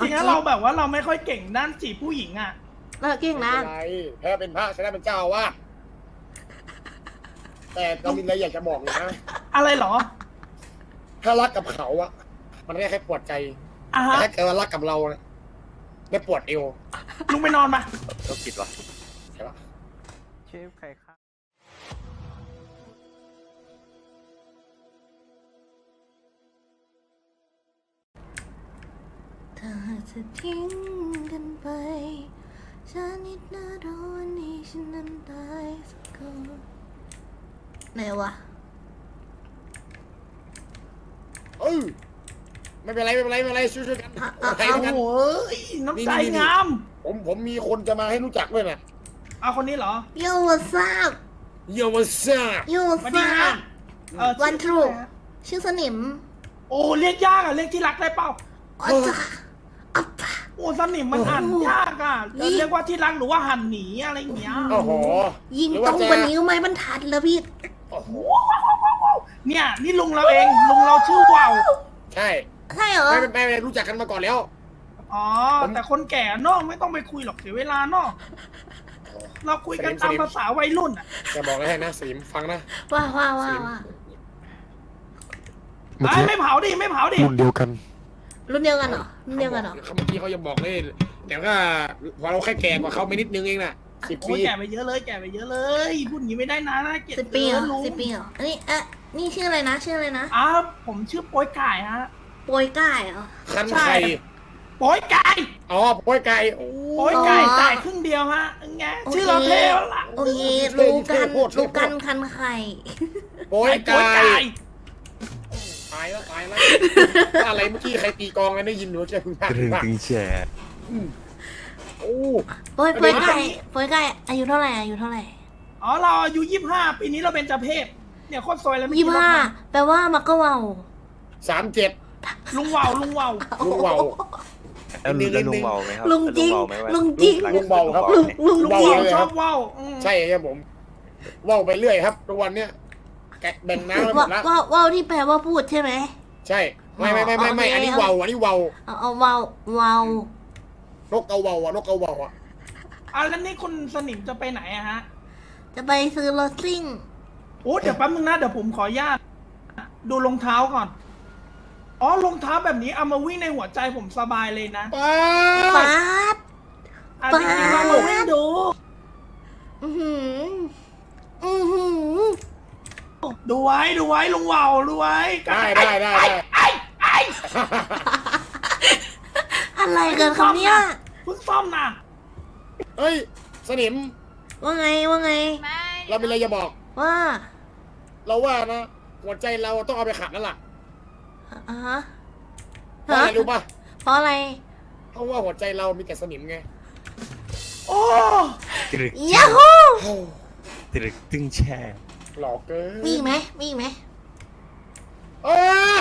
ริงๆแล้วเราแบบว่าเราไม่ค่อยเก่งด้านจีบผู้หญิงอ่ะเราเก่งนะอะไรแพ้เป็นพระชนะเป็นเจ้าอาวาสแต่เรามีอะไรอยากจะบอกเลยนะอะไรเหรอถ้ารักกับเขาอะมันไม่แค่ปวดใจอ่ะแต่ฮะถ้าเกิดว่ารักกับเราเนี่ยไม่ปวดเอวลุงไปนอนมาก็ผิดว่ะใช่ปะเชฟใครครับถ้าจะทิ้งกันไปฉันนิดนาโดนนี้ฉันนั้นตายสักคนไหนวะไม่เป็นไรไม่เป็นไรไม่เป็นไรช่วยๆกันใครโอ้กันโหน้ำใจงามผมมีคนจะมาให้รู้จักด้วยนะเอาคนนี้เหรอโยวัสซับโยมาซ่าโยสวัสซัดีฮะบวันทรูชื่อสนิมโอ้เรียกยากอ่ะเรียกที่รักได้เปล่าอ๋อจ้ะอัปปะโอ้สนิมมันหันยากอ่ะจะเรียกว่าที่รักหรือว่าหันหนีอะไรอย่างเงี้ยโอ้โหยิงหรือตว่ารงจะกว่านี้ก็ไม่บรรทัดแล้วพี่โอ้โหเนี่ยนี่ลุงเราเองลุงเราชื่อว่าวใช่ใช่เหรอไม่รู้จักกันมาก่อนแล้วอ๋อแต่คนแก่เนอกไม่ต้องไปคุยหรอกเสียเวลาเนอกเราคุยกันตามภาษาวัยรุ่นอ่ะจะบอกอะไรให้นะสลิมฟังนะว่าเมื่อกี้ไม่เผาดิไม่เผาดิรุ่นเดียวกันรุ่นเดียวกันเหรอรุ่นเดียวกันเหรอเมื่อกี้เขายังบอกเลยแต่ว่าพอเราแค่แก่กว่าเขาไปนิดนึงเองน่ะ10 โอ้ปียแก่ไปเยอะเลยแก่ไปเยอะเลยพูดอย่างนี้ไม่ได้นะน่าเกลียด 10 ปีเหรอลุง 10 ปีเหรออันนี้นี่ชื่ออะไรนะชื่ออะไรนะอ้าวผมชื่อโป้ยไก่ฮะโปรยก้ายเหรอคันใช่ไข่โป้ยไก่อ๋อโป้ยไก่โอ้โป้ยไก่อ๋อจ่ายครึ่งเดียวฮะไงโอเคชื่อเราเท่แล้วล่ะโอเครู้กันคันไข่โป้ยโป้ยไก่ไก่ตายแล้วอะไรเมื่อกี้ใครตีกองกันได้ยินหนูจะพึ่งพลาดกระถึงตึงแฉโอ้โปรยไก่อายุเท่าไหร่อายุเท่าไหร่อ๋อเราอายุ25ปีนี้เราเป็นเจ้าเพศเนี่ยโคตรซวยเลยไม่ 25แปลว่ามักก็เว่า 37 ลุงว่าวลุงว่าวลุงเบาแล้วลุงเบาไหมครับลุงจริงเบาไหมวะลุงจริงลุงเบาครับลุงลุงเบาว่าวเลยชคอรับบ ว่าวอืมใช่ครับผมว่าวไปเรื่อยครับทุกวันเนี้ยแกะแบ่งน้ำไปหมดละว่าที่แปลว่าพูดใช่ไหมใช่ไม่อันนี้ว่าวอันนี้ว่าวเอาเวานกเอาว่าวอะนกเอาว่าวอะแล้วนี่คุณสนิมจะไปไหนอะฮะจะไปซื้อรถซิ่งโอ้เดี๋ยวแป๊บนึงนะเดี๋ยวผมขออนุญาตดูรองเท้าก่อนอ๋อรองเท้าแบบนี้เอามาวิ่งในหัวใจผมสบายเลยนะป้าป๊าดจริงๆเรามาวิ่งดูอือหืออือหือดูไว้ลุงว่าวดูไว้ได้ไอ้อะไรกันครับเนี่ยเพิ่งซ่อมนะเฮ้ยสนิมว่าไงเรามีอะไรจะบอกว่าเราว่านะหัวใจเราต้องเอาไปขัดแล้วล่ะอ่ะฮะเพราะอะไรรู้ป่ะเพราะอะไรเพราะว่าหัวใจเรามีแต่สนิมไงโอ้ตรึกยาฮูตรึกตึงแช่หลอกเกินมีอีกไหมมีอีกไหมเออ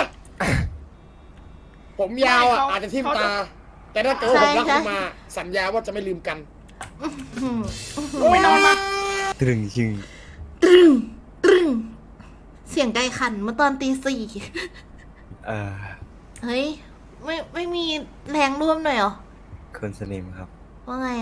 ผมยาวอ่ะอาจจะทิ่มตา แต่ถ้าเกิดว่าผมรักคุณมา สัญญาว่าจะไม่ลืมกันอื้อหือลุงไปนอนมาตรึงจริงตรึงตรึงเสียงไก่ขันเมื่อตอนตี 4 เอ่อเฮ้ย ไม่มีแรงร่วมหน่อยเหรอคนสนิมครับว่าไง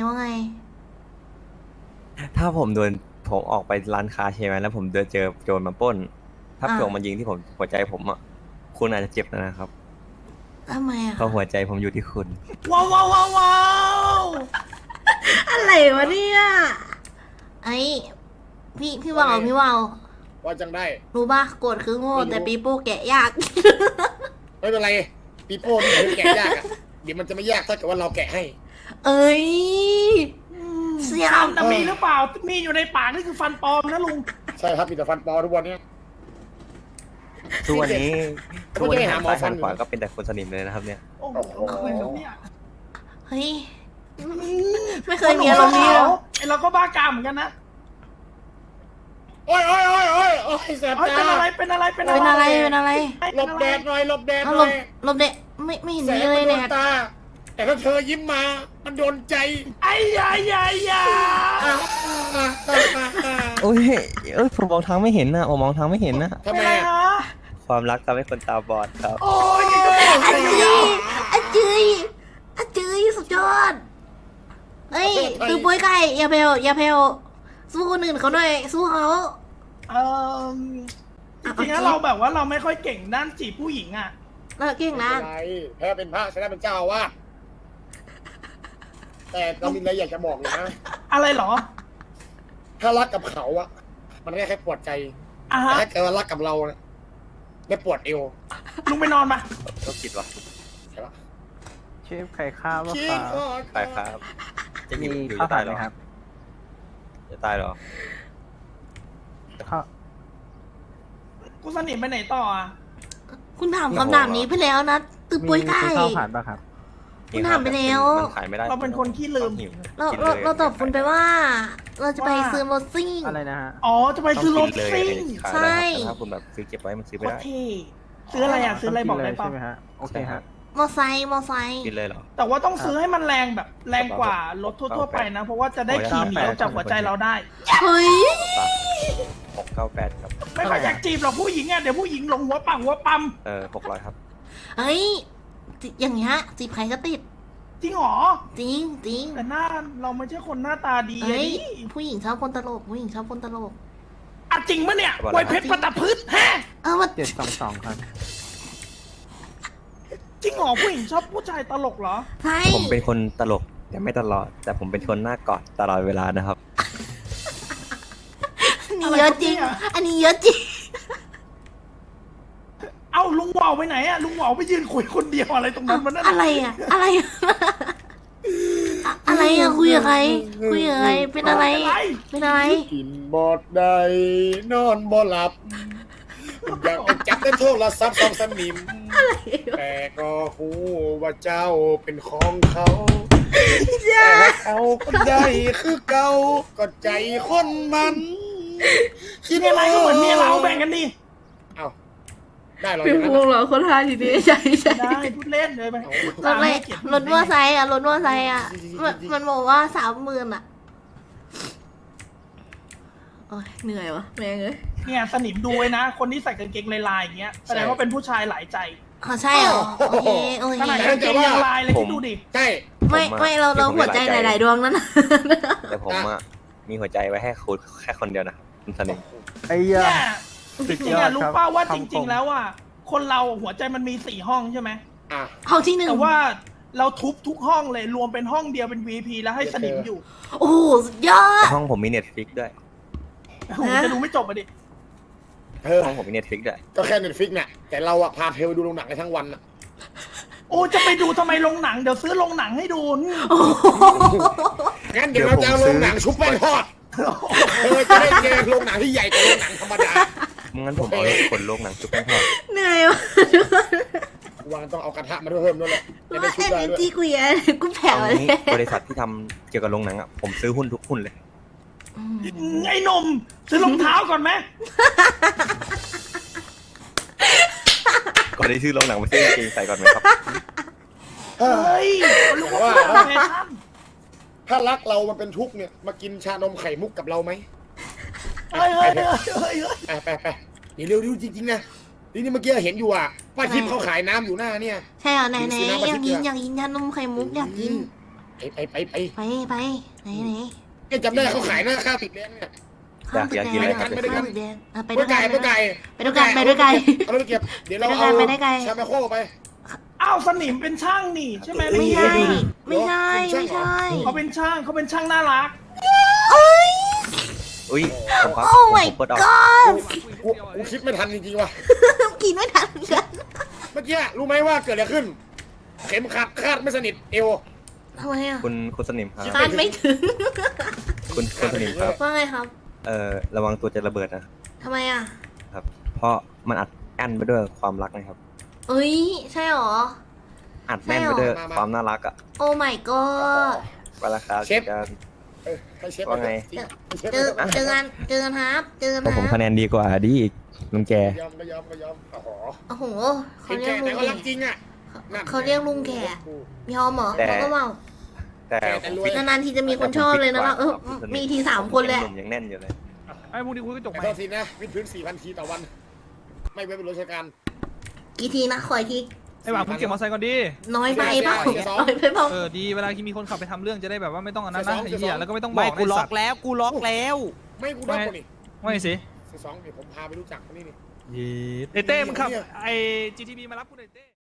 ถ้าผมออกไปร้านค้าใช่ไหมแล้วผมเจอโจรมาปล้น ถ้าโจรมายิงที่ผมหัวใจผมอ่ะคุณอาจจะเจ็บนะครับทำไมอ่ะเพราะหัวใจผมอยู่ที่คุณว้าวอะไรวะเนี่ยไอ้พี่วาวว่าจังได้รู้ป่ะโกรธคือโง่ไม่รู้แต่ปีโป้แกะยากไม่เป็นไรปีโป้นี่คือแกะยากอ่ะเดี๋ยวมันจะไม่ยากถ้าเกิดว่าเราแกะให้เอ้ย เสียฟันน่ะมีหรือเปล่ามีอยู่ในปากนี่คือฟันปลอมนะลุงใช่ครับมีแต่ฟันปลอทุกวันเนี้ยทุกวันนี้ไม่ได้หาหมอฟันซ้ายขวาก็เป็นแต่คนสนิมเลยนะครับเนี่ยโอ้โหอะไรครับเนี่ยเฮ้ย ไม่เคยมีอารมณ์นี้เลยไอเราก็บ้ากามเหมือนกันนะโอ้ยแสบเฮ้ยตาเป็นอะไรเป็นอะไรหลบแดดหน่อยหลบแดดเอาหหลน่อบ ยหลบเด็กไม่เห็นแสมีงเลมันยโดเนี่นยตา แต่ถ้าเธอยิ้มมา มันโดนใจไอ้ยาโอ้ยผมมองทางไม่เห็นนะผมมองทางไม่เห็นนะทำเป็นไมไรอะฮะความรักทำให้คนตาบอดครับโอ้ยนี่ก็เป็นอาจืยอาจืยอาจเอ้ยตือปุ้ยไก่อย่าเพลอย่าเพลสู้คนอื่นเขาหน่อยสู้เขาเออจริงๆแล้วเราแบบว่าเราไม่ค่อยเก่งด้านจีบผู้หญิงอ่ะเลิกเก่งนะไม่เป็นไรแพ้เป็นพระชนะเป็นเจ้าอาวาสแต่เรามีอะไรอยากจะบอกเลยนะอะไรเหรอถ้ารักกับเขาอะมันแค่ปวดใจอ่ะแต่ฮะถ้าเกิดว่ารักกับเราเนี่ยไม่ปวดเอวลุงไปนอนมาก็คิดว่าใช่ปะเชฟไข่ข้าวว่าคิคดรับก่อนตายครับ จะหยิมีบอยู่ข้าวจะผัตาดยไหเหรมอครับจะตายเหรอกูสนิทไปไหนต่ออ่ะคุณถามคำถามนี้ไปแล้วนะตือปุ้ยไก่มีข้าวผัดป่ะครับคุณถามไปแล้วมันขายไม่ได้เราเป็นคนขี้ลืมหิวเรากินเราลยเราตอบคุณไปว่า เราจะไปซื้อรถซิ่งอะไรนะฮะอ๋อจะไปซื้อรถต้งกินเลยซิ่งขายใช่ได้ครับแต่ถ้าคุณแบบซื้อเก็บไว้มันซื้อโคไม่ตรได้เท่ซื้ออะไรอ่ะซื้ออะไรบอกได้ต้ป่ะงนเลยใช่ไหมฮะ โอเคฮะมอไซค์มอไซค์กินเลยเหรอแต่ว่าต้องซื้อให้มันแรงแบบแรงกว่ารถทั่วๆไปนะ เพราะว่าจะได้ขี่หนีออกจากหัวใจเราได้เฮ้ย 698 ครับไม่ค่อยอยากจีบหรอกผู้หญิงอ่ะเดี๋ยวผู้หญิงหลงหัวปังหัวปั๊ม 600 ครับเฮ้ยอย่างเงี้ยจีบใครก็ติดจริงเหรอจริงจริงแต่หน้าเราไม่ใช่คนหน้าตาดีเฮ้ยอะดิผู้หญิงชอบคนตลกผู้หญิงชอบคนตลกอ่ะจริงปะเนี่ยบอกไวแล้วเพชรประดับพืชแฮะเอามา 722 ครับจริงเหรอผู้หญิงชอบผู้ชายตลกเหรอใช่ผมเป็นคนตลกแต่ไม่ตลอด แต่ผมเป็นคนหน้ากอดตลอดเวลานะครับอันนี้เยอะจริง อันนี้เยอะจริงเอ้าลุงเหวาไปไหนอ่ะลุงเหวาไปยืนคุยคนเดียวอะไรตรงนั้นมันนั่นอะไรอ่ะ อะไรอะอะไรอ่ะคุยกับใครคุยกับใครเป็นอะไร เป็นอะไรกินบอดได้นอนบ่หลับ อยากจะจับได้โทรศัพท์สองสนิม แต่ก็หูว่าเจ้าเป็นของเขาแต่เขาก็ได้คือเก่าก็ใจคนมันคิดมีอะไรก็เหมือนเมียเราแบ่งกันดิเอาได้เหรออเป็นย่างนั้นพวงเหรอคนทายทีนี้ใช่ใช่ได้พูดเล่นเลยไปรถเลยรถมอไซค์อ่ะรถมอไซค์อ่ะมันบอกว่า30,000อ่ะโอ้ยเหนื่อยวะแม่งเอ้ยเนี่ยสนิมดูไว้นะ คนที่ใส่กางเกงลายๆอย่างเงี้ยแสดงว่าเป็นผู้ชายหลายใจอ๋อใช่เหรอโอเคโอขนาดเคกางเกงยังลายเลยผมที่ดูดิใช่ไม่เราหัวใจหลายๆดวงนั่นน่ะแต่ผมอะมีหัวใจไว้ให้คุณแค่คนเดียวนะคุณสนิมไอ้เนี่ยายจริงๆอะรู้ป่าว่าจริง ๆ แล้วอ่ะคนเราหัวใจมันมี4 ห้องใช่ไหมอ่ะห้องที่หนึ่งแต่ว่าเราทุบทุกห้องเลยรวมเป็นห้องเดียวเป็น VP แล้วให้สนิมอยู่โอ้โหสุดยอดห้องผมมีเน็ตฟิกด้วยผมจะดูไม่จบอ่ะดิห้องผมมีเน็ตฟิกด้วยก็แค่เน็ตฟิกเนี่ยแต่เราอะพาเธอไปดูโรงหนังในทั้งวันอะโอ้จะไปดูทำไมโรงหนังเดี๋ยวซื้อโรงหนังให้ดูนี่โอ้โหงั้นเดี๋ยวเราจะเอาโรงหนังชุบแป้งทอดเธอจะได้เจอโรงหนังที่ใหญ่กว่าโรงหนังธรรมดางั้นผมเอาขนโลงหนังจุ๊บแป้งทอดเหนื่อยวะทุกคนวางต้องเอากระทะมาด้วยเพิ่มด้วยแหละจะได้ว่าชุบเอ็ได้นด้วยจีกูอย่ากูแผ่วเอาเลยงี้บริษัทที่ทำเกี่ยวกับโรงหนังอะผมซื้อหุ้นทุกหุ้นเลยอืมไอ้หนมซื้อรองเท้าก่อนไหมก่อนที่ซื้อโรงหนังมาซื้อกางเกงใส่ก่อนไหมครับเฮ้ยรู้ว่าแฟชั่นถ้ารักเรามันเป็นทุกข์เนี่ยมากินชานมไข่มุกกับเราไหมเฮ้ยเฮ้ยเฮ้ยเฮ้ยไปเดี๋ยวเร็วๆจริงๆนะนี่เมื่อกี้เห็นอยู่อ่ะป้าทิพย์เขาขายน้ำอยู่หน้าเนี่ยใช่เหรอไหนซื้อน้ำๆมาอยากที่กินเกลืออยากกินชานมไข่มุกอยากกินไปไปไหนแกจำได้เขาขายหน้าข้าวติดแดงเนี่ยอยากกินอะไรครับข้าวตึกแดงไปไปด้วยไก่กันไปไก่ไปด้วยกันไปด้วยกันเอาไปเก็บเดี๋ยวเราเอาไปด้วยกันชาแมโคไปอ้าวสนิมเป็นช่างนี่ใช่ไหมไม่ใช่ไม่ไม่ใช่ใช่ไม่ใช่เขาเป็นช่างน่ารักอุ้ยผมครับโอ้ผม my เปิดออก god กูคิดไม่ทันจริงๆว่ะกินไม่ทันกันเมื่อกี้รู้ไหมว่าเกิดอะไรขึ้น เข็มขัดคาดไม่สนิทเอวทำไมอ่ะคุณสนิมครับคาดไม่ถึงคุณสนิมครับว่าไงครับระวังตัวจะระเบิดนะทำไมอ่ะครับ เพราะมันอัดอั้นไปด้วยความรักนะครับเอ้ยใช่หรออัดแน่นไปด้วยความน่ารักอะโอ้ my god ไปละครับเชฟกันให้เชฟว่าไงเจอกันครับเจอกันเพราะผมคคะรับแนนดีกว่าดีอีกลุงแกยอมโอ้โหโอ้โหเขาเป็นเรียแก่กลุแต่งก็แก่รักจริงอ่ะเขาเรียกลุงแก่ยอมเหรอแต่เขาก็เมาแต่แต่รวยนานๆทีจะมีคนชอบเลยนะเรามีที3 คนเลยหนุ่มยังแน่นอยู่เลยไอ้พวกนี้คุยกระจกแต่ไหมโทษทีนะวิดพื้น 4,000 ทีต่อวัน ไม่ไว้เป็นราชการกี่ทีนะขออีกทีไอ้หวังมึงเก็บมอเตอร์ไซค์ก่อนดิน้อยไปเปล่าเสียสองน้อยไปเปล่าดีเวลาที่มีคนขับไปทำเรื่องจะได้แบบว่าไม่ต้องอันนั้นนะเสีไอ้ยสองเหี้ยแล้วก็ไม่ต้องบไม่อกกูล็อไสัตกว์แล้วกูล็อกแล้วไม่กูได้คนนี่ไม่สิเสียสองเดี๋ยวผมพาไปรู้จักคนนี้นี่ไอ้เต้มึงขับไอ้ GTB มารับกูหน่อยเต้